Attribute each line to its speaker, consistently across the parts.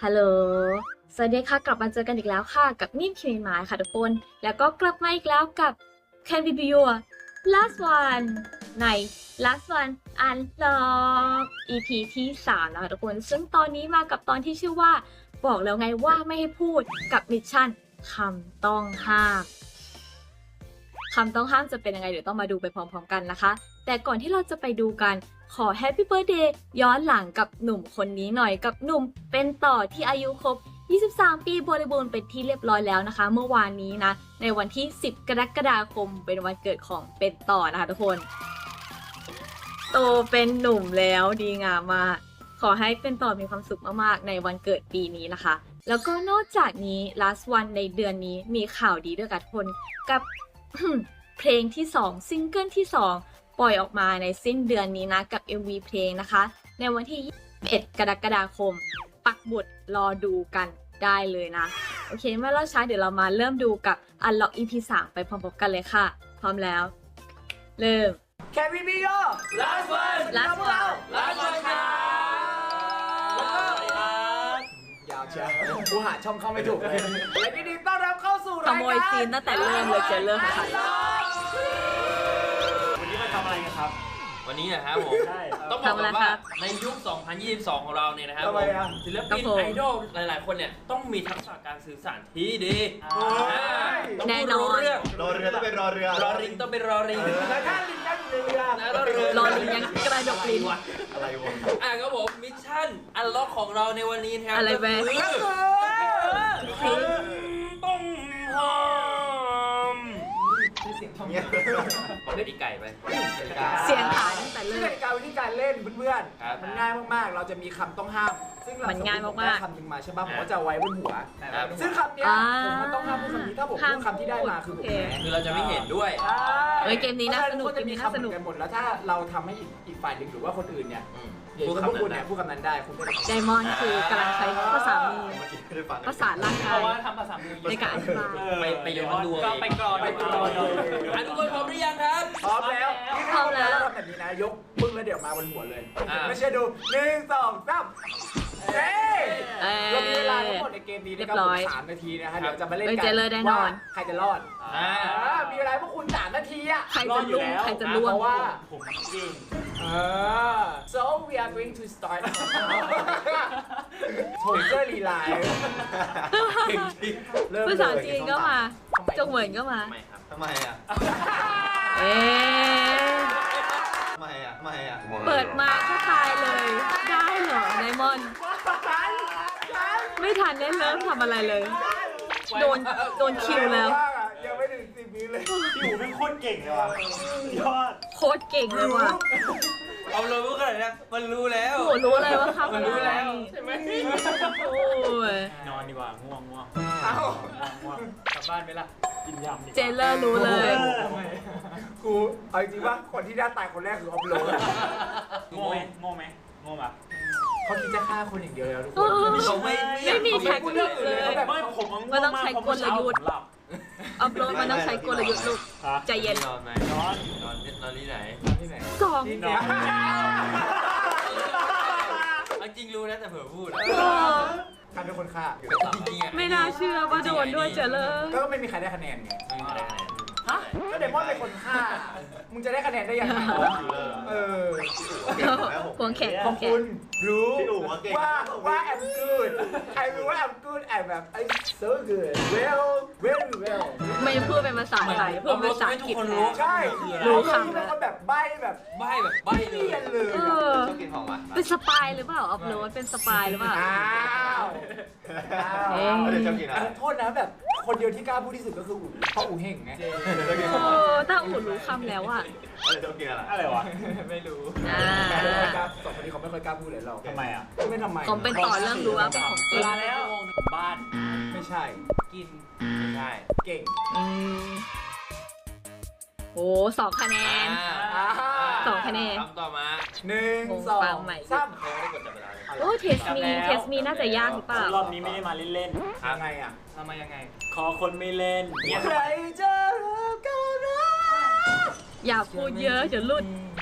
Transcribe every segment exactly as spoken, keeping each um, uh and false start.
Speaker 1: ฮัลโหลสวัสดีค่ะกลับมาเจอกันอีกแล้วค่ะกับนิ่มคิมินหมายค่ะทุกคนแล้วก็กลับมาอีกแล้วกับ Can We Be Your Last One ใน Last One Unlock อี พี ที่สามนะคะทุกคนซึ่งตอนนี้มากับตอนที่ชื่อว่าบอกแล้วไงว่าไม่ให้พูดกับมิชชั่นคำต้องห้ามคำต้องห้ามจะเป็นยังไงเดี๋ยวต้องมาดูไปพร้อมๆกันนะคะแต่ก่อนที่เราจะไปดูกันขอ Happy Birthday ย้อนหลังกับหนุ่มคนนี้หน่อยกับหนุ่มเป็นต่อที่อายุครบยี่สิบสามปีบริบูรณ์เป็นที่เรียบร้อยแล้วนะคะเมื่อวานนี้นะในวันที่สิบกรกฎาคมเป็นวันเกิดของเป็นต่อนะคะทุกคนโตเป็นหนุ่มแล้วดีงามมากขอให้เป็นต่อมีความสุขมากๆในวันเกิดปีนี้นะคะแล้วก็นอกจากนี้ last one ในเดือนนี้มีข่าวดีด้วยกันทุกคนกับ เพลงที่สองซิงเกิลที่สองปล่อยออกมาในสิ้นเดือนนี้นะกับ เอ็ม วี เพลงนะคะในวันที่ยี่สิบเอ็ดกรกฎาคมปักบุตรรอดูกันได้เลยนะโอเคไม่ล่าช้าเดี๋ยวเรามาเริ่มดูกับ Unlock อี พี สามไปพร้อมๆกันเลยค่ะพร้อมแล้วเริ่ม
Speaker 2: Can we be your last one
Speaker 1: last one
Speaker 2: last one ครับแล้วก็ยาวเชียวกูหาช่องเข้าไม่ถูกเลยและยินดีต้อนรับเข้าสู่
Speaker 1: ข
Speaker 2: รายการ
Speaker 1: โมยซีนตั้งแต่เริ่มเลยเจอเริ่มค่ะ
Speaker 3: วันนี้มาทำอะไรกันครับ
Speaker 4: วันนี้นะครับผม
Speaker 3: ใช่
Speaker 4: ต้องบอกก่อนว่าในยุค สองพันยี่สิบสอง ของเราเนี่ยนะครับผมศิลปินไอดอลหลายๆ คนเนี่ยต้องมีทักษะการสื่อสารที่ดีต้องพูดรู้เรื่อง
Speaker 3: รอเรือต้องเป็นรอเรือ
Speaker 4: รอริงต้องเป็นรอริง
Speaker 2: แล้วถ้าลิงนั่งอยู่ในเรือ
Speaker 4: แล้วเรือ
Speaker 1: รอลิงยังกระดกลิ้น
Speaker 3: อะไรวะ
Speaker 4: อ่ะครับผมมิชชั่นอันล็อกของเราในวันนี้นะครับ
Speaker 1: อะไรแม่
Speaker 4: ก็คือต้องหอม
Speaker 2: เสียงช่อง
Speaker 3: เงี้ย
Speaker 4: บอกได้ดีไก่ไป
Speaker 1: เสียงหายตั้งแต่
Speaker 2: ซึ่ง
Speaker 1: เริ่
Speaker 2: ก
Speaker 1: ม
Speaker 2: ติกาวิธีการเล่นเพื่อน
Speaker 4: ครับ
Speaker 2: ๆมันง่ายมากๆเราจะมีคำต้องห้ามซึ่งเรา
Speaker 1: มันง่ายมากๆ
Speaker 2: สติได้คำหนึ่งมาใช่ป่ะผมก็จะเอาไว้บนหัว
Speaker 4: ครับ
Speaker 2: ซึ่งคำเนี้ย
Speaker 1: อ่า
Speaker 2: ผมมันต้องห้ามพูดคำนี้ถ้าผมพูดคำที่ได้มาคือผม
Speaker 1: โอเค
Speaker 2: แพ้
Speaker 4: คือเราจะไม่เห็นด้วย
Speaker 2: ใช่
Speaker 1: เฮ้ยเกมนี้น่าสนุก
Speaker 2: พระฉะ
Speaker 1: เกมนี้น่าสนุก
Speaker 2: คำเหมือกันหมดแล้วถ้าเราทำให้อีกอีกฝ่ายหนึ่งหรือว่าคนอื่นเนี่ย
Speaker 4: อืม
Speaker 2: เดี๋ยว
Speaker 4: พูด
Speaker 2: พวก
Speaker 4: คำ
Speaker 2: คุณ
Speaker 4: นั้
Speaker 2: เนี่ย
Speaker 4: น
Speaker 2: พูดคำนั้นได้คุณได้
Speaker 1: ไดมอนด์คือกำลังใช้ภาษามือ
Speaker 3: เมื่อกี้ไม่ได้ฟัง
Speaker 1: ภาษาร่าง
Speaker 3: เพ
Speaker 1: กาย
Speaker 3: ราะว่าทำภาษามือ
Speaker 1: ในการอธิบาย
Speaker 4: ไปไปย้อนดู
Speaker 3: ก็
Speaker 4: เอง
Speaker 3: ไปกรอน
Speaker 2: ไปกรอน
Speaker 4: อ่ะทุกคนพร้อมหรือยังครับ
Speaker 2: พร้อมแล้วนี่
Speaker 1: พร้อมแล้ว
Speaker 2: ทำแบบนี้นะยกปึ้งแล้วเดี๋ยวมาบนหัวเลย
Speaker 4: อ่า
Speaker 2: ไม่ใช่ดูหนึ่งสองสามเฮ้ย
Speaker 1: เอ้ย
Speaker 2: เรามีเวลาทั้งหมดในเกมนี้นะครับ
Speaker 1: เรียบร้
Speaker 2: ผ
Speaker 1: อย
Speaker 2: มสามนาทีนะคะเดี๋ยวจะมาเล่น
Speaker 1: เอ้ย
Speaker 2: กั
Speaker 1: เจอเลยแน่นอน
Speaker 2: ว่าใครจะรอด
Speaker 4: อ่า
Speaker 2: อ่ามีเวลาให้พวกคุณสามนาทีอะ
Speaker 1: ใครจะลุ่งใครจะล่ว
Speaker 2: เพ
Speaker 1: ง
Speaker 2: ราะว่า
Speaker 3: ผมเก่ง
Speaker 2: เออ so we are going to start โถยเจอรีไลน์
Speaker 4: เก่งจริง
Speaker 2: เริ่ม
Speaker 1: ภาษา
Speaker 2: เลย
Speaker 1: จีนก็มาจงเหวินก็มา
Speaker 4: ทำไมครับ
Speaker 3: ทำไมอ่ะ
Speaker 1: เอ๊ะ
Speaker 3: ทำไมอ่ะทำไมอ่ะ
Speaker 1: เปิดมาก็ตายเลย ได้เหรอไดมอนด์ไม่ทันได้เริ่มทำอะไรเลย โดนโดนคิวแล้ว
Speaker 2: ยังไม่ถึงสิบวิเลย
Speaker 3: พี่หูเป็นโคตรเก่งเลยว่ะยอด
Speaker 1: โคตรเก่งเลยว่ะ
Speaker 4: เอาเลยว่าขนาดนี้มันรู้แล้ว
Speaker 1: โอ้โหรู้เลยว่าครับ
Speaker 4: มันรู้แล้ว
Speaker 1: ใช่ไหมโอ้ย
Speaker 3: นอนดีกว่าง่วงง่วง
Speaker 2: เอ้า
Speaker 3: ง่วงกลับบ้านไปละกินยำดีกว่า
Speaker 1: เจเลอร์รู้เลย
Speaker 2: กูเอาจริงว่าคนที่ได้ตายคนแรกคือออฟโรด
Speaker 3: โง่ไหมโง่ไหมโง่ปะ
Speaker 2: เขาคิดจะฆ่าคนอย่างเดียวแล้วทุกค
Speaker 1: เอน อ
Speaker 4: เขาไม่
Speaker 1: ไม่มีแท็ก
Speaker 2: พูด
Speaker 1: ติ
Speaker 2: เรื่อง
Speaker 1: ก
Speaker 2: อื่น
Speaker 1: เล
Speaker 2: เลย
Speaker 1: ย
Speaker 2: เขาแบบ
Speaker 3: ไม่ผมง่วง
Speaker 1: มันต้องใช้กลยุทธ์
Speaker 3: ผมหลับ
Speaker 1: อัพโหลดมันต้องใช้กลยุทธ์ลูก
Speaker 3: ฮะ
Speaker 1: ใจเย็น
Speaker 4: นอนไหม
Speaker 3: นอน
Speaker 4: นอนนอนที่ไหน
Speaker 2: ที่ไหน
Speaker 1: สอง
Speaker 2: ที่เนี่ย
Speaker 4: เอาจริงรู้นะแต่เผื่อพูด
Speaker 1: เออ
Speaker 2: ใครเป็นคนฆ่า
Speaker 4: จริงๆอ่ะ
Speaker 1: ไม่น่าเชื่อว่าโดนด้วยเจเลอร์
Speaker 2: ก็ไม่มีใครได้คะแนนไง
Speaker 4: ไม่มีใครได้คะแนน
Speaker 2: ฮะก็เดมอนเป็นคนฆ่า มึงจะได้คะแนนได้ยังไงเออ
Speaker 1: ควงแขก
Speaker 2: ขอบคุณรู้
Speaker 3: พี่อู๋ว่าเก่ง
Speaker 2: ว่าว่า I'm good ใครรู้ว่า I'm good I'm แบบ I'm so good well very well
Speaker 1: ไม่พูดเป็นภาษาไทยพูดเป็นภาษาอังกฤษแทน
Speaker 2: ใช่
Speaker 1: รู้
Speaker 2: รู้
Speaker 1: คำ
Speaker 2: คำแล้วก็แบบใบ้แบบ
Speaker 4: ใบแบบใบเล
Speaker 2: เรีย
Speaker 4: ย
Speaker 2: นเลย
Speaker 1: เออ
Speaker 3: ชอบกินของหวาน
Speaker 1: เป็นสปายหรือเปล่าอัพโหลดเป็นสปายหรือเปล่า
Speaker 2: อ้าวอ้าว
Speaker 1: เอ๊ะ
Speaker 3: เดี๋ยวชอบกินอะไร
Speaker 2: โทษนะแบบคนเดียวที่กล้าพูดที่สุดก็คืออู๋เพราะอู๋เห่งไง
Speaker 3: เดี๋ยวชอบกิน
Speaker 1: เอ
Speaker 3: ของหวาน
Speaker 1: อถ้าอู๋รู้คำแล้วอ่ะ
Speaker 3: เดี๋ยวชอบกินอะไรอะไรวะ
Speaker 2: ไม่รู้
Speaker 1: อ่า
Speaker 2: สองคนนี้เขาไม่ค่อยกล้าพูดเลยเรา
Speaker 3: ทำไมอ่ะ
Speaker 2: ไม่ทำไม
Speaker 1: ผมเป็นต่อเรื่องรู้ว่าเป็นของจริง
Speaker 3: มาแล้วบ้าน
Speaker 2: ไม่ใช่
Speaker 3: กิน
Speaker 4: ไม่ใช่
Speaker 2: เก่ง
Speaker 1: อืมโอ้สองคะแนน
Speaker 2: อ่า
Speaker 1: สองคะแนน
Speaker 4: คำต่อมา
Speaker 2: หนึ่งสอ
Speaker 1: ฟั
Speaker 2: ง
Speaker 1: งใหม่
Speaker 2: สาม
Speaker 4: เขาไม่ได้กดจับเวลาเลย
Speaker 1: โอ้เทสมีเทสมีน่าจะยากหรือเปล่าร
Speaker 3: อบนี้ไม่ได้มาเล่น
Speaker 2: ยังไงอ่ะ
Speaker 3: ๆทำมายังไง ขอคนไม่เล่นเงียบ
Speaker 2: ใครจะรักก็รัก
Speaker 1: อย่าพูดเยอะเดี๋ยวหลุด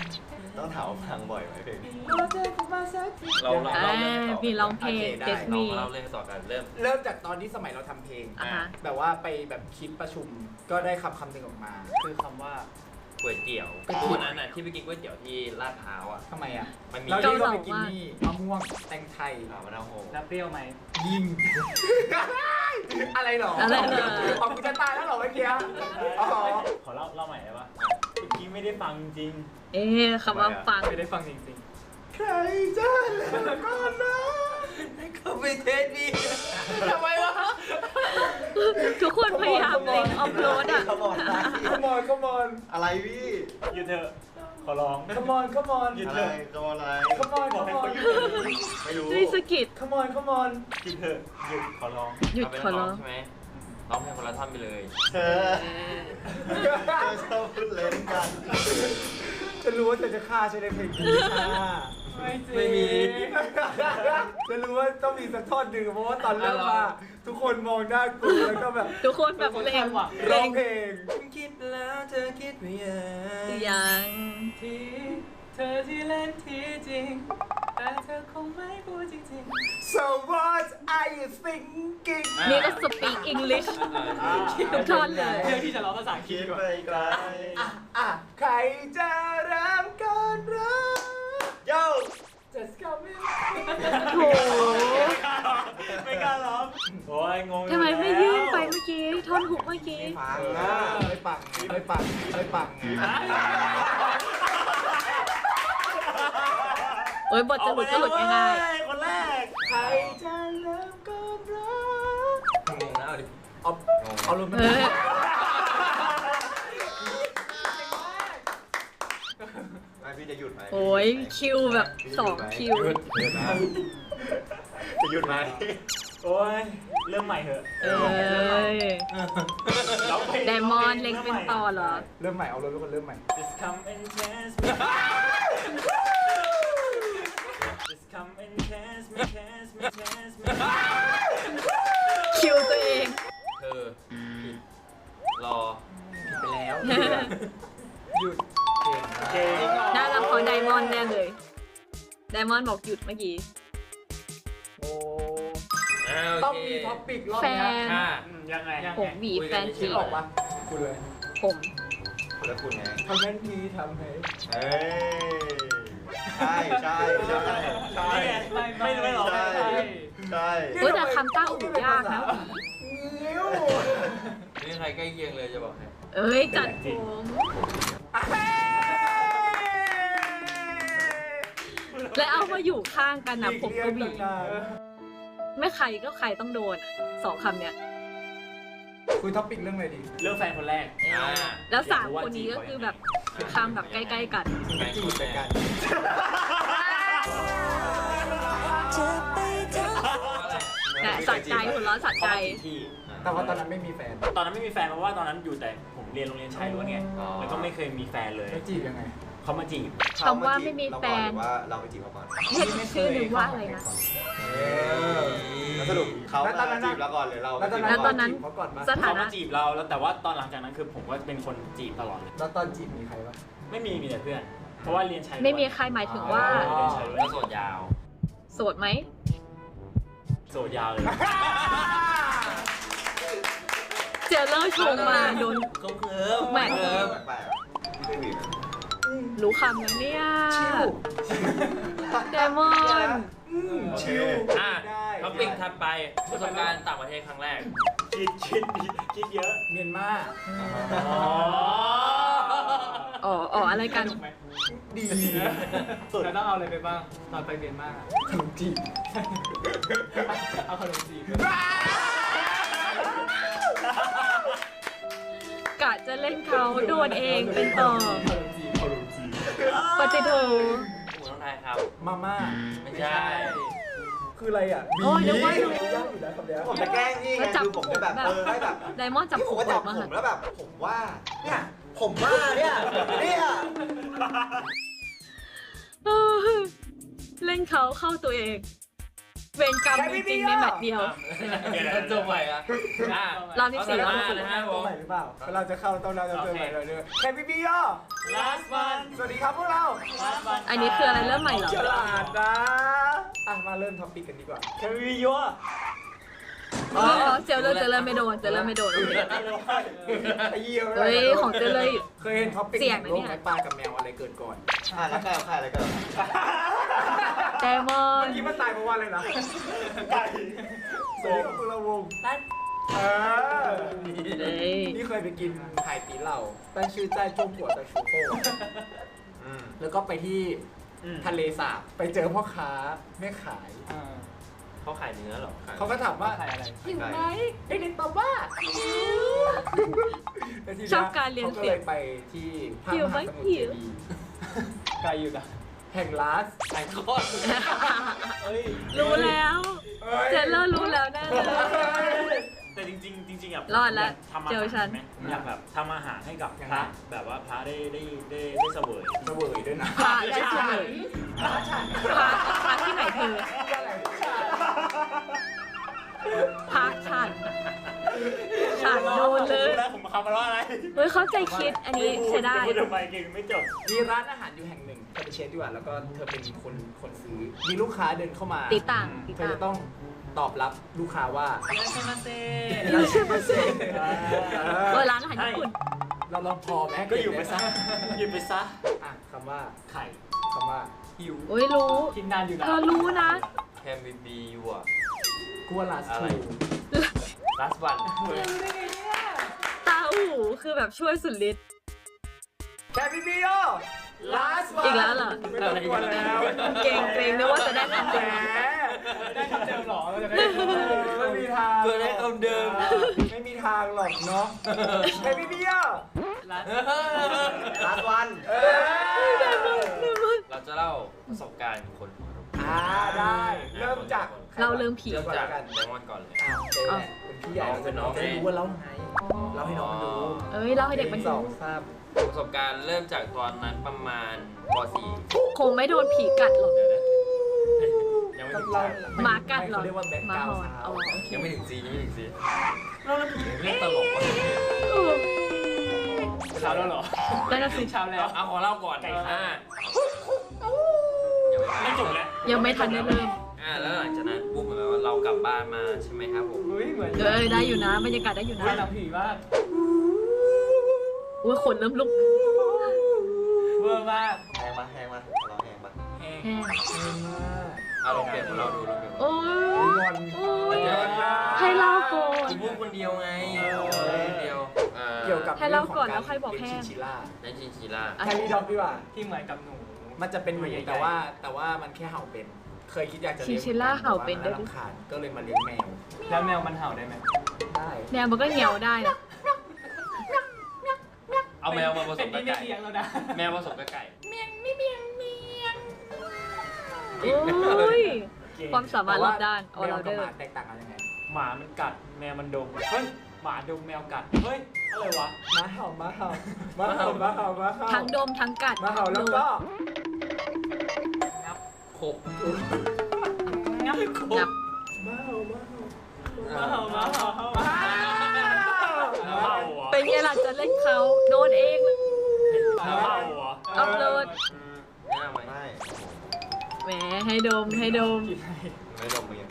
Speaker 5: ต้องถามว่าฟังบ่อยไหมเพลงนี้
Speaker 4: เราเรา
Speaker 1: อ่า
Speaker 4: เราเล่น
Speaker 1: มีร้องเพลง
Speaker 2: โอเคได้
Speaker 1: เดส
Speaker 4: เรา
Speaker 1: มี
Speaker 4: เราเล่นต่อกันเริ่ม
Speaker 2: เริ่มจากตอนที่สมัยเราทำเพลง
Speaker 1: อ่ะฮะ
Speaker 2: แบบว่าไปแบบคิดประชุมก็ได้คำคำหนึ่งออกมา คือคำว่า
Speaker 4: ก๋วยเตี๋ยว
Speaker 2: ก๋วยเตี๋ยว
Speaker 4: วันนั้นน่ะที่ไปกินก๋วยเตี๋ยวที่ลาดพร้าวอ่ะ
Speaker 2: ทำไมอ่ะ
Speaker 4: มันมี
Speaker 2: เราที่ก็ไปกินนี่มะม่วงแตงไทย
Speaker 4: อ่ามะนาวโฮ
Speaker 3: แล้วเปรี้ยวไหม
Speaker 2: ยิง อะไรหรอ
Speaker 1: อะไรเหรอ
Speaker 2: ออกกูจะตายแล้วเหรอเมื่อกี้อ๋อ
Speaker 3: ขอเล่าเล่าใหม่ได้ปะเมื่อกี้ไม่ได้ฟังจริง
Speaker 1: เอ๊ะคำว่าฟัง
Speaker 3: ไม่ได้ฟังจริง
Speaker 2: ใครจะแล้วก็นะ
Speaker 4: เขาไปเทสดี
Speaker 2: ทำไมวะ
Speaker 1: ทุกคนพยายามเล็งออฟโรดอ่ะ
Speaker 5: ขมอน
Speaker 2: ขมอนขมอน
Speaker 5: อะไรพี่
Speaker 3: ๆหยุดเถอะ ขอร้อง
Speaker 2: ขมอนขมอน
Speaker 3: หยุด
Speaker 5: อะ
Speaker 3: เถ
Speaker 5: ไร
Speaker 3: อะ
Speaker 5: ขมอนอะไร
Speaker 2: ขมอนข
Speaker 3: บอกให้
Speaker 2: มอ
Speaker 3: เขา
Speaker 2: น
Speaker 3: หยุดเถอะ
Speaker 5: ไม่รู้
Speaker 1: นี่สะกิด
Speaker 2: ขมอนขมอน
Speaker 3: หยุดเถอะหยุดขอร้อง
Speaker 1: หยุด
Speaker 4: เาไป
Speaker 1: ขอร้อง
Speaker 4: ใช่ไหมร้องเพลงคนละท่อนไปเลย
Speaker 5: เธอเธอชอบพูดเล่นกัน
Speaker 2: จะรู้ว่าเธอจะฆ่าใช่ไหมเพลงนี้ค่ะ
Speaker 3: ไม่จริง
Speaker 4: ไม่มี
Speaker 2: จะรู้ว่าต้องมีสักท่อนหนึ่งเพราะว่าตอนเริ่มมาทุกคนมองหน้ากูแล้วก็แบบ
Speaker 1: ทุกคนแบบเล็ง
Speaker 2: ร้
Speaker 1: เล็
Speaker 2: อง
Speaker 1: ง
Speaker 2: เพลง
Speaker 4: คิดแล้วเธอคิดไม่ยัง
Speaker 1: ยัง
Speaker 3: ที่เธอที่เล่นที่จริง แต่เธอคงไม่พูดจริง
Speaker 2: so what are you thinking
Speaker 1: นี่ก็สปีกอังกฤษทุกท่อนเลย
Speaker 3: ๆเพื่อที่จะร้องภาษาอังกฤ
Speaker 5: คิ
Speaker 3: ษ
Speaker 5: ด
Speaker 3: ก่อน
Speaker 5: ไปไกล
Speaker 2: อ่ะอ่ะใครจะเริ่มก่อนรัก
Speaker 5: โย่
Speaker 2: just come in
Speaker 1: โถ
Speaker 3: ไม่กล้าร้องโอ้ยงงอยู่
Speaker 1: ทำไมไม่
Speaker 3: แล้ว
Speaker 1: ยื่นไปเมื่อกี้ ท่อนหุกเมื่อกี้
Speaker 2: ปังนะไม่ปังไม่ปังไม่ปัง
Speaker 1: โอ้ยบทจะหลุดก็หลุดง่าย
Speaker 3: ๆคนแรก
Speaker 2: ใครจะเริ่มก่อนรัก
Speaker 4: งงนะเอาดิ
Speaker 2: เอาเอาลง
Speaker 1: ๆ
Speaker 2: มา
Speaker 1: เออ
Speaker 5: ไม่พี่จะหยุดไหม
Speaker 1: โอ้ยคิวแบบสองคิว
Speaker 5: หยุดหยุดนะจะหยุดไหม
Speaker 3: โอ้ยเริ่มใหม่เถอะ
Speaker 1: เอ้ย
Speaker 3: ร้องเพลง
Speaker 1: ไดมอนด์เล็งเป็นต่อเหรอ
Speaker 2: เริ่มใหม่เอาเลยทุกคนเริ่มใหม่
Speaker 3: Just come and kiss me Just come and kiss me kiss me kiss me
Speaker 1: คิวตัวเอง
Speaker 4: เธอผิดรอ
Speaker 2: ไปแล้ว หยุดเก่ง
Speaker 3: เก่ง
Speaker 1: น่าจะพอไดมอนด์แน่เลย ไดมอนด์บอกหยุดเมื่อกี้
Speaker 2: โอ้
Speaker 4: อ่าโอ
Speaker 2: ต้อง
Speaker 4: เค
Speaker 2: มีท็อปปิกรอบ
Speaker 1: แฟ
Speaker 2: เนี้ย
Speaker 1: น
Speaker 4: ค่ะ
Speaker 3: อืมยังไง
Speaker 1: ผมหวีแฟน
Speaker 2: คิ
Speaker 1: จี
Speaker 2: ดออกปะคุณเลย
Speaker 1: ผม
Speaker 5: แล้วคุณไง
Speaker 2: ทำนั้นทีทำให้
Speaker 5: เอ้ยใช่ใช่ใช่ใช่
Speaker 3: ไม่ไม่ไม่หรอก
Speaker 5: ใช่
Speaker 3: ไม่ใช่
Speaker 5: ใช่
Speaker 1: เฮ้ยแต่คำต้าอู่ยากนะ
Speaker 2: นิ้ว
Speaker 4: ไม่มีใครใกล้เคียงเลยจะบอกให้
Speaker 1: เอ้ย จัดผม และเอามาอยู่ข้างกันนะผมก็หวีไม่ใครก็ใครต้องโดนอะสองคำเนี้ย
Speaker 2: คุยท็อปปิกเรื่องอะไรดี
Speaker 3: เรื่องแฟนคนแรก
Speaker 4: อ่า
Speaker 1: แล้วสามคนนี้ก็คือแบบคำแบบใกล้ๆกัน
Speaker 4: แฟน
Speaker 2: จี
Speaker 4: ค
Speaker 2: บ
Speaker 4: น
Speaker 2: ไป
Speaker 4: แร
Speaker 2: กั
Speaker 4: ก
Speaker 2: น
Speaker 1: แต่สัใจหัวเราะสัใจ
Speaker 3: ที่
Speaker 2: แต่ว่าตอนนั้นไม่มีแฟน
Speaker 3: ตอนนั้นไม่มีแฟนเพราะว่าตอนนั้นอยู่แต่ผมเรียนโรงเรียนชายล้วนไงแล้วก็ไม่เคยมีแฟนเลย
Speaker 2: แล้วจีบยังไง
Speaker 3: เขามาจีบ
Speaker 1: คำว่าไม่มีแฟน
Speaker 5: เราก่อหรือว่าเราไปจีบเขาก่อน
Speaker 1: เห็นชื่อหนึ่งว่าอะไรนะ
Speaker 2: เออ
Speaker 5: แล้วสรุปเขา
Speaker 2: แล้วตอนนั้น
Speaker 5: มาจีบเราก่อนหรือเรา
Speaker 2: แล้วตอน
Speaker 5: ไปจีบ
Speaker 2: นั้น
Speaker 1: แล้วตอนนั้น
Speaker 2: จีบเขาก่อนมา
Speaker 1: สถา
Speaker 3: เขา
Speaker 1: นะ
Speaker 3: มาจีบเราแล้วแต่ว่าตอนหลังจากนั้นคือผมก็เป็นคนจีบตลอดเลย
Speaker 2: แล้วตอนจีบมีใครบ้าง
Speaker 3: ไม่มีมีแต่เพื่อน เพราะว่าเรียนชายล้วน
Speaker 1: ไม่มีใครหมายถึงว่า
Speaker 3: เรียนชายล้วน
Speaker 4: แล้วโสดยาว
Speaker 1: โสดไหม
Speaker 3: โสดยาวเลย
Speaker 1: เจอเล่าชงมาโดน
Speaker 4: เขาเคิร์ฟ
Speaker 1: แหม่
Speaker 4: เคิร์ฟ
Speaker 5: แปลกๆไม่เคยมีนะ
Speaker 1: รู้คำแล้วเนี่ย
Speaker 2: ชิว
Speaker 1: ไดมอนด์
Speaker 2: อืมชิว
Speaker 4: อ่ะ
Speaker 2: ได้
Speaker 4: ท็อปปิ้งถัดไปประสบการณ์ต่างประเทศครั้งแรก
Speaker 3: คิดคิดคิดเยอะ
Speaker 2: เมียนมา
Speaker 3: อ๋อ
Speaker 1: อ๋ออ๋ออะไรกัน
Speaker 2: ดี
Speaker 3: เราต้องเอาอะไรไปบ้างตอนไปเรียนมาก
Speaker 2: ขนมจีบ
Speaker 3: เอาขนมจีบ
Speaker 1: กะจะเล่นเขาโดนเองเป็นต่อ
Speaker 3: ขนมจีบขนมจีบ
Speaker 1: ปฏิโท
Speaker 4: หมูน้องไทยครับ
Speaker 2: มาม่า
Speaker 4: ไม่ใช่
Speaker 2: คืออะไรอ่ะ
Speaker 1: โอ้ยนึกว่า
Speaker 2: บี
Speaker 1: รู้
Speaker 2: ยากอยู่นะคำเนี้ย
Speaker 5: ผมจะแกล้งพี่ไง
Speaker 1: แล้วจับ
Speaker 5: คือผมจะแบบ
Speaker 1: ผมแบบ
Speaker 5: เออให้แบบ
Speaker 1: ไดมอนด์จับ
Speaker 5: ที่
Speaker 1: ผ
Speaker 5: ผม
Speaker 1: ม
Speaker 5: ก็
Speaker 1: อ
Speaker 5: จั
Speaker 1: อบ กมา
Speaker 5: ผมแล้วแบบ ผมว่า เนี่ย ผมว่าเนี่ยเนี่ย
Speaker 1: เออเล่นเขาเข้าตัวเองเวรกรรมจริงๆในแมตช์เดียว
Speaker 4: เดี๋ยวเราจบใหม่อะอ่ะ
Speaker 1: รอบที่สี่
Speaker 4: รอบที่สี่นะครับผ
Speaker 2: ตัว
Speaker 4: ม
Speaker 2: ใหม่หรือเปล่าเราจะเข้าต้องเราจะเจอใหม่เลยด้วยแคมป์บีโอ
Speaker 3: last one
Speaker 2: สวัสดีครับพวกเรา
Speaker 3: last one
Speaker 1: อันนี้คืออะไรเริ่มใหม่เหรอ
Speaker 2: ฉลาดนะอ่ะมาเริ่มท็อปปิกกันดีกว่า
Speaker 5: แคมวิโย
Speaker 1: อ๋อเจลเลอร์เจลเลอร์ไม่โดนเจลเลอร์ไม่โดนโอเค
Speaker 2: ไอ้เหี้ย
Speaker 1: เฮ้ยของเจลเลอร์
Speaker 2: เคยเห็นท็อปปิก
Speaker 1: เสี่ยงนะ
Speaker 2: โล
Speaker 1: เนี่
Speaker 2: ก
Speaker 1: ย
Speaker 2: ไหมปลากับแมวอะไรเกิดก่อน
Speaker 5: อ่ะแล้วใครเอาใครอะไรกัน
Speaker 1: แดมอ
Speaker 2: เมื่อน กี้มันตายเพราะว่าอะไรนะ
Speaker 5: ไก่
Speaker 2: สวัสดีครับพวกเราวงเออ
Speaker 1: เฮ้ย
Speaker 2: นี่เคยไปกินไห่ตีเหล่าตั้งชื่อใจจงหัวตะชูโป้
Speaker 5: อืม
Speaker 2: แล้วก็ไปที่ทะเลสาบไปเจอพ่อค้าแม่ขาย
Speaker 3: อ่า
Speaker 4: เขาขายเนื้อเหรอขาย
Speaker 2: เขาก็ถามว่า
Speaker 3: ขายอะไร
Speaker 2: หิวไหมเด็กๆตอบว่าหิวแล้วทีนี้
Speaker 1: ชอบการเรียน
Speaker 2: เขาก็
Speaker 1: เสี
Speaker 2: เลย ย
Speaker 1: ง
Speaker 2: ไปที่พระ
Speaker 1: หิว
Speaker 2: ม
Speaker 1: ไหม
Speaker 2: หาสมุทร
Speaker 1: หิ
Speaker 2: เจ
Speaker 1: ว
Speaker 2: ดีย์
Speaker 3: ไก่อยู่นะ
Speaker 2: แห่งลาส
Speaker 4: ขายโคตร
Speaker 3: เอ้ย
Speaker 1: รู้แล้ว เจลเลอร์รู้แล้วแน่เลย
Speaker 6: แต่จริงๆจริงๆอ่ะ
Speaker 1: รอดละ
Speaker 6: ยากทำอา
Speaker 1: เจอ
Speaker 6: หาร
Speaker 1: ฉัน
Speaker 6: ไหมอยากแบบทำอาหารให้กับพระแบบว่าพระได้ได้ได้ได้เสวย
Speaker 2: เสวยด้วยนะ
Speaker 1: พาได้เสมอพาพาที่ไหนเธอพาฉันฉันโดนเลย
Speaker 6: แล้วผมทำมาแล้วอะไร
Speaker 1: เฮ้ยเข้าใจคิดอันนี้ใช้ได้
Speaker 6: พูดทำไมเก่งไม่จบ
Speaker 2: มีร้านอาหารอยู่แห่งหนึ่งเธอไปเช็คดีกว่าแล้วก็เธอเป็นคนคนซื้อมีลูกค้าเดินเข้ามา
Speaker 1: ตีต่างตี
Speaker 2: เธอ
Speaker 1: ต่าง
Speaker 2: จะต้องตอบรับลูกค้าว่า
Speaker 3: เยอะใช่ไหมเซ่
Speaker 1: อยู่ใช่ไหมเซ่
Speaker 2: เอ
Speaker 1: เอ
Speaker 2: อ
Speaker 1: อร้านอาหารญี่ปุ่น
Speaker 2: เราลองพอไหม
Speaker 6: ก็อยู่ไปซะอยู่ไปซะ
Speaker 2: อ่ะคำว่า
Speaker 3: ไข่
Speaker 2: คำว่า
Speaker 3: หิว
Speaker 1: โอ้ยรู้
Speaker 3: กินนานอยู่นะ
Speaker 1: เธอรู้นะ
Speaker 4: แคมบีบีอยู่อะ
Speaker 2: กัวลาส
Speaker 4: อะไร
Speaker 2: ทู
Speaker 4: ลาสวัน
Speaker 1: ตาอู่คือแบบช่วยสุดฤทธิ์
Speaker 2: แคมปิโอลาสวัน
Speaker 1: อีกแล้วเหรอ
Speaker 2: ไม่ต้องกลัวแล้ว
Speaker 1: เก่งเกรงนึกว่าจะได้คำ
Speaker 2: แหม
Speaker 1: เดิม
Speaker 3: ได้คำเดิมเหรอเราจะได้
Speaker 2: ไม่มีทาง
Speaker 4: เกิดได้คำเดิม
Speaker 2: ไม่มีทางหรอกเนาะแคมปิโอ
Speaker 3: ร้าน
Speaker 5: ลาสวัน
Speaker 2: เออ
Speaker 4: เราจะเล่าประสบการณ์คนหัวรุก
Speaker 2: อ่าได้ เริ่มจาก
Speaker 1: เราเริ่มผี
Speaker 4: เริ่ม
Speaker 2: ก่อน
Speaker 4: จาก
Speaker 2: แล้วกัน
Speaker 4: ไดมอนด์ก่อนเลย
Speaker 2: อ้าวเจอแหละเป็นพี่ใหญ่เราจะน้องจะได้รู้ว่าเราไงเราให้น้องมันรู้
Speaker 1: เอ้ยเล่าให้เด็กมัน
Speaker 2: ส
Speaker 1: ดู
Speaker 2: องสาม
Speaker 4: ประสบการณ์เริ่มจากตอนนั้นประมาณป .สี่
Speaker 1: คงไม่โดนผีกัดหรอก
Speaker 4: ยังไม่
Speaker 2: กับ
Speaker 4: ถึง
Speaker 2: เรา
Speaker 4: ซี
Speaker 1: หมากัดเหรอ
Speaker 2: เขาเรียกว่าแบ็ค
Speaker 1: หมาก
Speaker 2: ราว
Speaker 1: หอน
Speaker 2: ด์
Speaker 1: อ๋อ
Speaker 4: ยังไม่ถึงซียังไม่ถึงซีเราเล่นผีเรื่องตลกวะ
Speaker 1: เออ
Speaker 3: เช้าแล้วเหรอ
Speaker 1: ได้นะสิ
Speaker 3: เช้าแล้ว
Speaker 4: เอาขอเล่าก่อนอ่า
Speaker 6: ไม่จบแล้ว
Speaker 1: ยังไม่ทันได้เริ่ม
Speaker 4: อ่าแล้วหลังจากนั้นปุ๊บเหมือนว่าเรากลับบ้านมาใช่ไหมครับผม
Speaker 3: อุ้ยเหมือน
Speaker 1: เออได้อยู่นะบรรยากาศได้อยู่นะ
Speaker 3: ได้หนังผีมาก
Speaker 1: อุ้ยขนเริ่มลุก
Speaker 3: เวอร์มาก
Speaker 5: แหงมาแหงมาเราแหงมา
Speaker 3: แห้ง
Speaker 1: แห้ง
Speaker 4: เอาลองเปลี่ยนของเราดูลองเปลี่ยน
Speaker 1: โอ้
Speaker 2: งอน
Speaker 1: โอ้ยให้เล่าก่อน
Speaker 4: คุณพูดคนเดียวไงพูดคนเดียวอ่า
Speaker 2: เกี่ยวกับ
Speaker 1: ให้เล่าก่อนแล้วค่อยบอก
Speaker 2: เรื่ง
Speaker 1: แห้
Speaker 2: ข
Speaker 1: ง
Speaker 2: งการเลี้ยงชินชิล่า
Speaker 4: ในชินชิล่า
Speaker 2: แคลรี่ด็อกดีกว่า
Speaker 3: ที่เหมือนกับหนู
Speaker 2: มันจะเป็นหนู
Speaker 3: ใหญ่ๆ
Speaker 2: แต่ว่าแต่ว่ามันแค่เห่าเป็น เคยคิดอยากจะเลี้ยง
Speaker 1: ชินชิล่าเห่าเป็นด้
Speaker 2: ด้
Speaker 1: ว
Speaker 2: วย ยรำคาญก็เลยมาเลี้ยงแมว
Speaker 3: แล้วแมวมันเห่าได้ไหม
Speaker 2: ได้
Speaker 1: แนวมันก็เหี่ยวได้นะ
Speaker 4: เอาแมวมาผส
Speaker 3: เป็น
Speaker 4: มกับ
Speaker 3: ที่ไม่
Speaker 4: ไก่
Speaker 3: เลี้ยงแล้วนะ
Speaker 4: แมวผสมกับไก่
Speaker 1: โอ้ยความสามารถรอบด้านออ
Speaker 2: แมว
Speaker 1: เรา
Speaker 2: กับ
Speaker 1: เดอ
Speaker 2: ห
Speaker 1: ร์
Speaker 2: มาแตกต่างกันยังไง
Speaker 3: หมามันกัดแมวมันดมเฮ้ยหมาดมแมวกัดเฮ้ยอะไรวะ
Speaker 2: หมาเห่าหมาเห่าหมาเห่าหมาเห่าหมาเห่า
Speaker 1: ทั้งดมทั้งกัด
Speaker 2: หมาเห่าแล้วก็
Speaker 4: ขบ
Speaker 3: งับ
Speaker 1: งับ
Speaker 2: หมาเห่าหมาเห่า
Speaker 3: มาเห่ามาเห่าเห่า
Speaker 2: หมาเห่า
Speaker 6: เห่าเหรอ
Speaker 1: เป็นไงล่ะจะเล่นเขาโดนเองเลย
Speaker 6: เห่าเหรอ
Speaker 1: อัพโหลด
Speaker 4: หน้าไหม
Speaker 5: ไม่
Speaker 1: แหมให้ดมให้ดม
Speaker 5: ไม่ลงมือ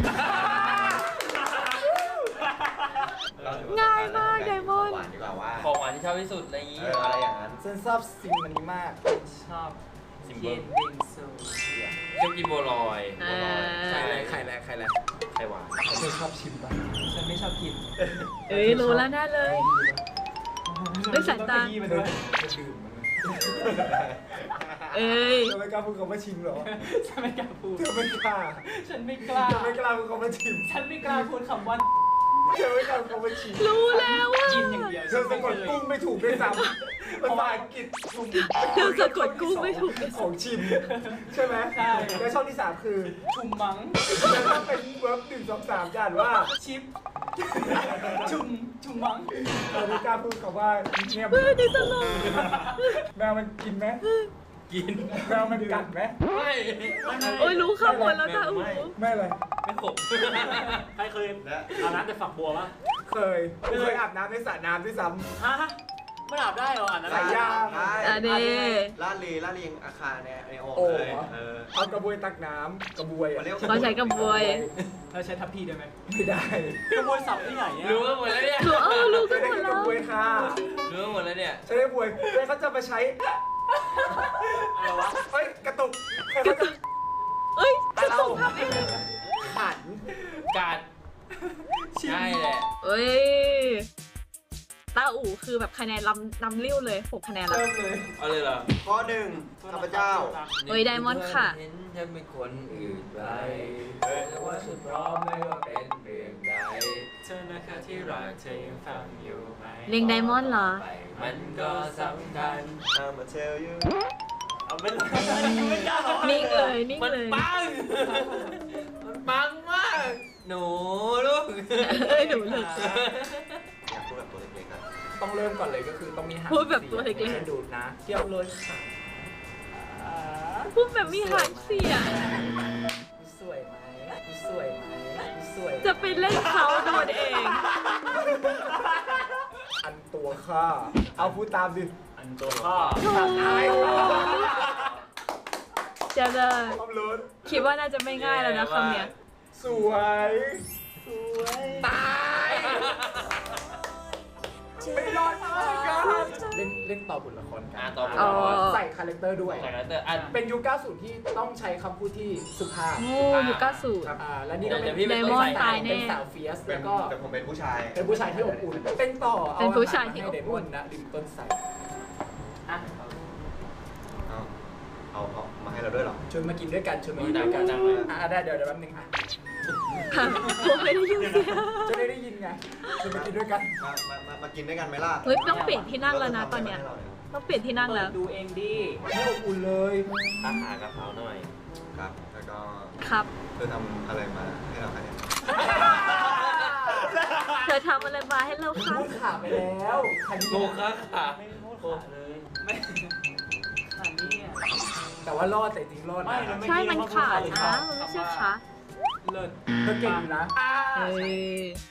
Speaker 1: ง่ายมากไดมอนด์
Speaker 5: หวานดีกว่าว่า
Speaker 4: ของหวานที่ชอบที่สุดอะไรอย่าง
Speaker 5: เอ
Speaker 4: งี้
Speaker 5: ออะไรอย่างนั้น
Speaker 2: ฉันชอบสิ่งมันนี้มาก
Speaker 3: ชอบ
Speaker 4: ซิม
Speaker 3: เย็
Speaker 4: เบิล
Speaker 3: นบิงซู
Speaker 4: ชอบกินบัวลอย
Speaker 1: อ่า
Speaker 2: ใครอะไรใครอะไรใครอะไร
Speaker 4: ไข่หวาน
Speaker 2: เธอชอบชิมป่ะ
Speaker 3: ฉันไม่ชอบกิน
Speaker 1: เอ้ยรู้แล้วแน่เลย ด้วยสายตา
Speaker 3: ต้องขยี้มันด้วย
Speaker 2: จะดื่มมัน
Speaker 1: เอ้ย
Speaker 2: เธอไม่กล้าพูดคำว่าชิมเหรอ
Speaker 3: ฉันไม่กล้าพูด
Speaker 2: เธอไม่กล้า
Speaker 3: ฉันไม่กล้า
Speaker 2: เธอไม่กล้าพูดคำว่าชิม
Speaker 3: ฉันไม่กล้าพูดคำว่า
Speaker 2: เธอไม่กล้าพูดคำว่าชิม
Speaker 1: รู้แล้วว่า
Speaker 3: กินอย่างเดียว
Speaker 2: เธอสะกดกุ้งไม่ถูกด้วยซ้ำภาษาอังกฤษชุม
Speaker 1: เธอสะกดกุ้งไม่ถูกเลย
Speaker 2: ของชิม ใช่ไหม
Speaker 3: ใช่
Speaker 2: แล้วช่องที่สามคือ
Speaker 3: ชุมมัง
Speaker 2: แล้วถ้าเป็นเวิร์บหนึ่งสองสามจะอ่านว่า
Speaker 3: ชิป ชุม ชุมมัง
Speaker 2: เธอไม่กล้าพูดคำว่าเงียบ
Speaker 1: เฮ้ยนี่ตลก
Speaker 2: แมวมันกินไหม
Speaker 4: กิน
Speaker 2: แมวมันกัดไหม
Speaker 4: ไม่
Speaker 1: โอ้ยรู้ข้างบนแล้วตาอู
Speaker 2: ไม่เลย
Speaker 3: ไป
Speaker 4: ไม่ขบ
Speaker 6: ใครเคยอาบน้ำแต่ฝักบัวปะ
Speaker 2: เคยไม่เคยอาบน้ำในสระน้ำด้วยซ้
Speaker 6: ฮะไม่อาบได้เหรออ่าน
Speaker 2: ำ
Speaker 6: น้ำ
Speaker 2: ใส่ยาง
Speaker 5: ใช่
Speaker 1: อ่ะเด้
Speaker 5: ลาดลีลาดลียังอาคารเนี่ยในโอ่ง
Speaker 2: โอ่ง
Speaker 5: เลย
Speaker 2: เหรอ
Speaker 5: เออ
Speaker 2: เอากระบวยตักน้ำกระบวย
Speaker 5: เขา
Speaker 2: อะ
Speaker 5: เรียก
Speaker 1: เขาใช้กระบวย
Speaker 6: เราใช้ทัพพีได้ไหม
Speaker 2: ไม่ได้
Speaker 6: กระบวยสับที่ไหนเนี่ย
Speaker 4: รู้กันหมดแล้วเนี่ย
Speaker 1: รู้เออรู้กั
Speaker 2: ไม่
Speaker 1: นห
Speaker 2: ได้
Speaker 1: มด
Speaker 2: ก
Speaker 1: แล้
Speaker 2: ระ
Speaker 1: ว
Speaker 2: บวยค่ะ
Speaker 4: รู้กันหมดแล้วเนี่ย
Speaker 2: ใช้กระบวยแล้วเขาจะมาใช้
Speaker 6: อะไรวะ
Speaker 2: เฮ้ยกระตุกเขาจะ
Speaker 1: เอ้ย
Speaker 2: ตาเราขัน
Speaker 4: การใช่แหละ
Speaker 1: เอ้ยตาอู่คือแบบคะแนนลำลำลิ้วเลยหกคะแนนละ
Speaker 2: เริ่มเลย
Speaker 4: เอาเลยเหรอ
Speaker 5: ข้อหนึ่งข้าพเจ้า
Speaker 1: เฮ้ยไดมอนด์ค่ะ
Speaker 4: เห็นฉันเป็นคนอื่นไปแต่ว่าฉันพร้อมไม่ว่าเป็นเรื่องใด
Speaker 6: เธอนะคะที่รักเธอยังฟังอยู่ไหม
Speaker 1: เล็งไดมอนด์เหรอ
Speaker 4: ไปมันก็สำคัญ
Speaker 5: I'm a tell you
Speaker 6: เอาไม่เลยไม่กล้าหรอก
Speaker 1: นิ่งเลยนิ่ง
Speaker 4: มัน
Speaker 1: เลย
Speaker 4: ปัง มันปังมาก หนูลูก
Speaker 1: เอ้ยหนูเลย
Speaker 5: อยากพูดแบบตัวเล็กๆอะ
Speaker 2: ต้องเริ่มก่อนเลยก็คือต้องมีหาง
Speaker 1: พูดแบบตัวเล็กๆ
Speaker 2: ฉันดูดนะเที่ยวเลยค่ะ
Speaker 1: พูดแบบมีหางเสียง
Speaker 2: สวยไหมสวยไหมสวย
Speaker 1: จะไปเล่นเขาโดนเอง
Speaker 2: อันตัวค่ะเอาพูดตามดิ
Speaker 6: อันตัวข้อ
Speaker 1: โถ่เจะเลย
Speaker 2: ความรู้
Speaker 1: คิดว่าน่าจะไม่ง่ายแล้วนะคำเนี้ย
Speaker 2: สวยสวยตายไม่รอดมากกันเล่นเล่นต่อบทละครกั
Speaker 4: อ่าน ต่อไป
Speaker 1: อ๋อ
Speaker 2: ใส่คาแรคเตอร์ด้วย
Speaker 4: จากนั้นแต่อัน
Speaker 2: เป็นยุคเก้าสิบที่ต้องใช้คำพูดที่สุภาพ
Speaker 1: โอ้ยุคเก้าสิบ
Speaker 2: ครับอ่าและนี่ก็เป็น
Speaker 4: เดี๋ยวพี่
Speaker 1: ไดมอนด์ตายแน่
Speaker 2: เป็นสาวเฟียส
Speaker 5: เป็
Speaker 2: แล้
Speaker 5: น
Speaker 2: วก็
Speaker 5: แต่ผมเป็นผู้ชาย
Speaker 2: เป็นผู้ชายที่อบอุ่นเป็นต่ออ
Speaker 1: เป็นผู้ชายที่อบอุ่น
Speaker 2: ให้ไดมอนด์นะริมต้นไทร
Speaker 6: อ่ะ
Speaker 5: เอาเอาเอามาให้เราด้วยเหรอ
Speaker 2: ชวนมากินด้วยกันชวนมากินด้วยกัน
Speaker 4: ดังๆเลย
Speaker 2: อ่ะได้เดี๋ยวเดี๋ยวแป๊บนึงอ่ะ
Speaker 1: ผมไม่ได้ยินเสียง
Speaker 2: จะได้ได้ยินไงชวนมากินด้วยกัน
Speaker 5: มามามามากินด้วยกันไหมล่ะ
Speaker 1: เฮ้ยต้องเปลี่ยนที่นั่งแล้วนะตอนเนี้ย ต้องเปลี่ยนที่นั่ง
Speaker 6: เปิ
Speaker 1: แล้
Speaker 6: ด
Speaker 1: ว
Speaker 6: ดูเองดิ
Speaker 2: ไม่อบอุ่นเลย
Speaker 4: อาหารกับเขาหน่อย
Speaker 5: ครับ แล้วก็
Speaker 1: ครับ
Speaker 5: เธอทำอะไรมาให้เราคะเนี่ย
Speaker 1: เธอทำอะไรมาให้เราคะ
Speaker 2: พูดขาไปแล้วคัน
Speaker 4: โล
Speaker 2: นี้
Speaker 4: คะขา
Speaker 6: ไม่พูดขาเลยไม่ขานี่อ่ะ
Speaker 2: แต่ว่ารอดแต่จริงรอด
Speaker 6: ไม่
Speaker 2: นะ
Speaker 6: นะ
Speaker 1: ใช่มันขาดนะมันไม่ใช่ขา
Speaker 6: เลิศ
Speaker 2: เธอเก่งอยู่นะ
Speaker 1: เฮ้ย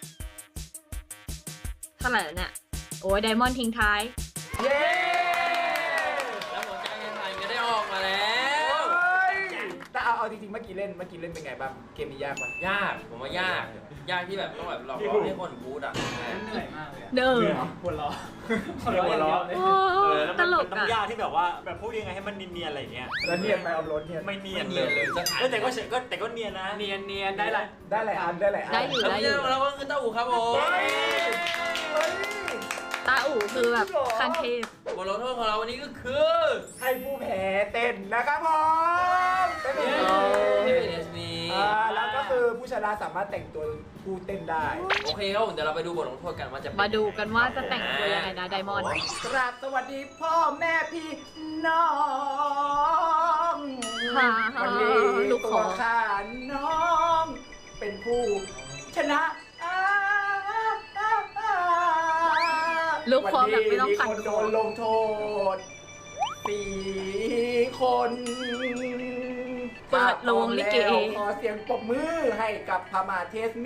Speaker 1: เท่าไหร่แล้วเนี่ย โอ้ยไดมอนด์ทิ้งท้าย
Speaker 2: เย้
Speaker 4: แล้วหัวใจยังไงก็ได้ออกมาแล้ว
Speaker 2: แต่เอาเอาจริงๆเมื่อกี้เล่นเมื่อกี้เล่นเป็นไงบ้างเกมนี้ยากปะ
Speaker 4: ยาก ผมว่ายาก ยากที่แบบต้องแบบหลอกล่อให้คนบูดอ่ะ
Speaker 6: เหนื่อยมากเลยอะ
Speaker 1: เดิม
Speaker 6: ปวดล้อ
Speaker 2: หัวเราะ
Speaker 1: โอ้
Speaker 6: เออแล้ว
Speaker 1: ต
Speaker 6: มัน
Speaker 1: ล
Speaker 6: มั
Speaker 1: ก
Speaker 6: นต้อง
Speaker 1: อ่ะ
Speaker 6: ยากที่แบบว่าแบบพูดยังไงให้มันเนียนๆอะไรอย่างเงี้ย
Speaker 2: แล้วเนียนไปเอารถเนียน
Speaker 6: ไม่เนียน
Speaker 4: ไม่เนียนเลยสักอัน
Speaker 6: เออแต่ก็เฉยก็แต่ก็เนียนนะ เนียนเนียนได้ละ
Speaker 2: ได้หลายอันได้หลายอัน
Speaker 1: ได้อยู่
Speaker 4: แล้วเนี่ยเราก็คือเต้าหู้ครับผม
Speaker 2: เฮ้ยเฮ้ย
Speaker 1: ตาอู่คือแบบคันเทพ
Speaker 4: บทลงโทษของเราวันนี้ก็คือ
Speaker 2: ให้ผู้แพ้เต้นนะครับผมเต้น
Speaker 4: เย้
Speaker 2: เอง
Speaker 4: เอสบี
Speaker 2: อ่าแล้วก็คือผู้ชนะสามารถแต่งตัวผู้เต้นได้
Speaker 4: โอเคครับผมเดี๋ยวเราไปดูบทลงโทษกันว่าจะเป็น
Speaker 1: มาดูกันว่าจะแต่งตัวยังไงนะไดมอนด์
Speaker 2: กราบสวัสดีพ่อแม่พี่น้อง
Speaker 1: ฮ่า
Speaker 2: วันนี้
Speaker 1: ลูกข
Speaker 2: ตัว
Speaker 1: อ
Speaker 2: ข้าน้อง เป็นผู้ชนะอ่าอ่าอ่า
Speaker 1: ลูกคอแบบไม่ต้อง
Speaker 2: วัน
Speaker 1: ขัด
Speaker 2: นี้มีคน
Speaker 1: ค
Speaker 2: โด
Speaker 1: อน
Speaker 2: ลงโทษสี่คน
Speaker 1: เปิดโรงลิเก
Speaker 2: แล้วขอเสียงปรบมือให้กับพม่าเทสมี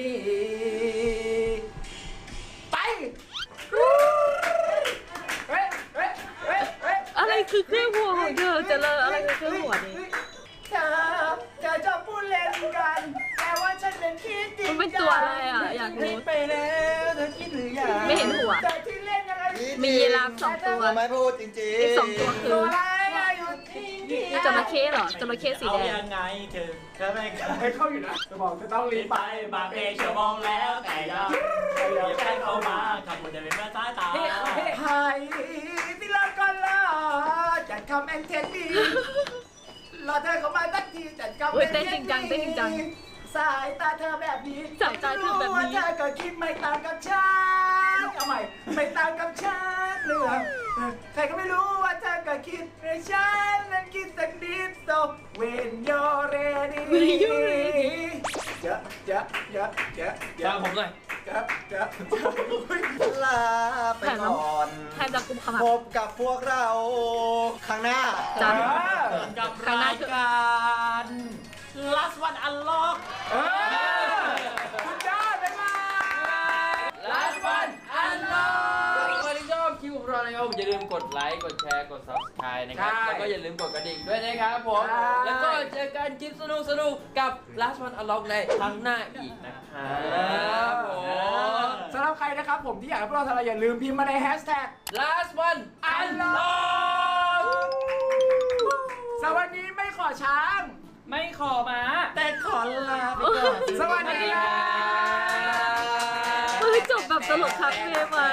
Speaker 2: ไปเฮ้ยเฮ้ยเฮ้ยเฮ้ย
Speaker 1: อะไรคือเครื่องหัวของเธอเจะเลออะไรคือเครื่องหัวนี้
Speaker 2: เธอเธอชอบพูดเล่นกัน แต่ว่าฉันเป็นคิดจริง
Speaker 1: มันเป็นตัวอะไรอ่ะอยากรู้
Speaker 2: ไปแล้วเธอคิดหรือยัง
Speaker 1: ไม่เห็นหัว
Speaker 2: เธอที่เล่นยังไง
Speaker 1: มียีราฟสองตัว
Speaker 5: ทำไมพูดจริงๆ
Speaker 1: อีกสองตัวคื
Speaker 2: ตั
Speaker 1: อ
Speaker 2: วอะไรอะอยู่ที่นี่
Speaker 1: จระเข้เหรอจระเข้สีแด
Speaker 6: เอา
Speaker 1: ง
Speaker 6: ยังไงเธอเธอไม่เคย
Speaker 2: ให้เข้าอยู่นะจะบอกจะต้องรี
Speaker 6: รี
Speaker 2: บบ ไป
Speaker 6: ไปบางเอกชั่วโมงแล้วแต่ยังอย่าแค่เข้ามาขับรถจะเป็นมาสายตา
Speaker 2: ให้ที่เราก่อนละจัดคำเอ็นเทนดีรอเธอเข้ามาสักทีจัดคำ
Speaker 1: โอ้ยเต้นจริงจังเต้นจริงจัง
Speaker 2: สายตาเธอแบบนี้
Speaker 1: สายตาเธอแบบนี้
Speaker 2: ว่าเธอก็คิดไม่ต่างกับฉันเอาใหม่ไม่ต่างกับฉันเลยเหรอใครก็ไม่รู้ว่าเธอก็คิดในฉันนั้นคิดสักนิด so when you're ready
Speaker 1: When you're ready
Speaker 2: เยอะเยอะเยอะเยอะเย
Speaker 4: ฟั
Speaker 2: อะ
Speaker 4: งผมหน่อย
Speaker 2: เยอะเยอะอุ๊ย
Speaker 5: ลาไปก่อน
Speaker 1: แทนจะกุมขมับ
Speaker 5: พบกับพวกเราข้างหน้า
Speaker 1: จ้ะ
Speaker 6: กับรายการ last last one unlock
Speaker 2: เออสุดยอดไปมา
Speaker 4: last one unlock ใครที่ชอบคลิปของเรานะครับผมอย่าลืมกดไลค์กดแชร์กด subscribe นะครับ
Speaker 2: ใช่
Speaker 4: แล้วก็อย่าลืมกดกระดิ่งด้วยนะครับผม
Speaker 2: ใช่
Speaker 4: แล้วก็เจอกันคลิปสนุกสนุกๆกับ last one unlock ในครั้งหน้าอีกนะครับผม
Speaker 2: สำหรับใครนะครับผมที่อยากให้พวกเราทำอะไรอย่าลืมพิมพ์มาในแฮชแท็ก
Speaker 4: last one unlock
Speaker 2: สวัสดีไม่ขอช้าง
Speaker 3: ไม่ขอมา
Speaker 6: แต่ขอลาไปก่อน
Speaker 2: สวัสดีครับ
Speaker 1: เฮ้ยจบแบบตลกครับเมย์มัน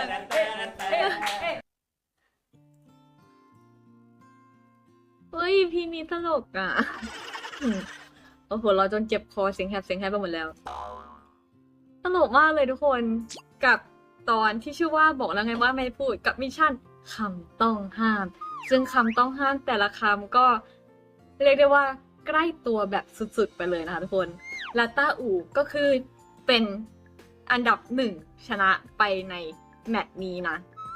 Speaker 1: เฮ้ยพี่นี้ตลกอ่ะอืมโอ้โหเราจนเจ็บคอเสียงแหบเสียงแหบไปหมดแล้ว ตลกมากเลยทุกคนกับตอนที่ชื่อว่าบอกแล้วไงว่าไม่พูดกับมิชชั่นคำต้องห้าม ซึ่งคำต้องห้ามแต่ละคำก็เรียกได้ว่าใกล้ตัวแบบสุดๆไปเลยนะคะทุกคนลาต้าอูก็คือเป็นอันดับหนึ่งชนะไปในแมตช์นี้นะ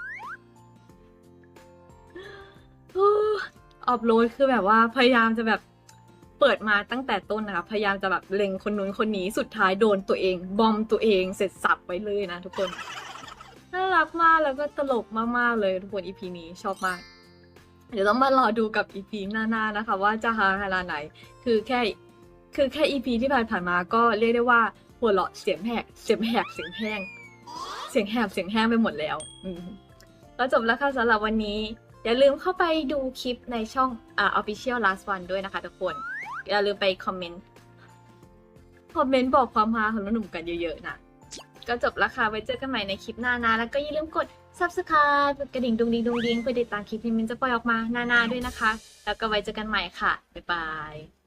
Speaker 1: ออฟโหลดคือแบบว่าพยายามจะแบบเปิดมาตั้งแต่ต้นนะคะพยายามจะแบบเล็งคนนู้นคนนี้สุดท้ายโดนตัวเองบอมตัวเองเสร็จสับไปเลยนะทุกคนน่ารักมากแล้วก็ตลกมากๆเลยทุกคน อี พี นี้ชอบมากเดี๋ยวต้องมารอดูกับ อี พี หน้าๆนะคะว่าจะฮาขนาดไหนคือแค่คือแค่ อี พี ที่ผ่านๆมาก็เรียกได้ว่าหัวเราะเสียงแหกเสียงแหกเสียงแห้งเสียงแหบเสียงแห้งไปหมดแล้วอืมแล้วจบแล้วค่ะสำหรับวันนี้อย่าลืมเข้าไปดูคลิปในช่องอ่า Official Last One ด้วยนะคะทุกคนอย่าลืมไปคอมเมนต์คอมเมนต์บอกความฮาของหนุ่มๆกันเยอะๆนะก็จบแล้วค่ะไว้เจอกันใหม่ในคลิปหน้านะแล้วก็อย่าลืมกด Subscribe กระดิ่งดุงดิงดุงดิงเพื่อติดตามคลิปที่มินจะปล่อยออกมาหน้าๆด้วยนะคะแล้วก็ไว้เจอกันใหม่ค่ะบ๊ายบาย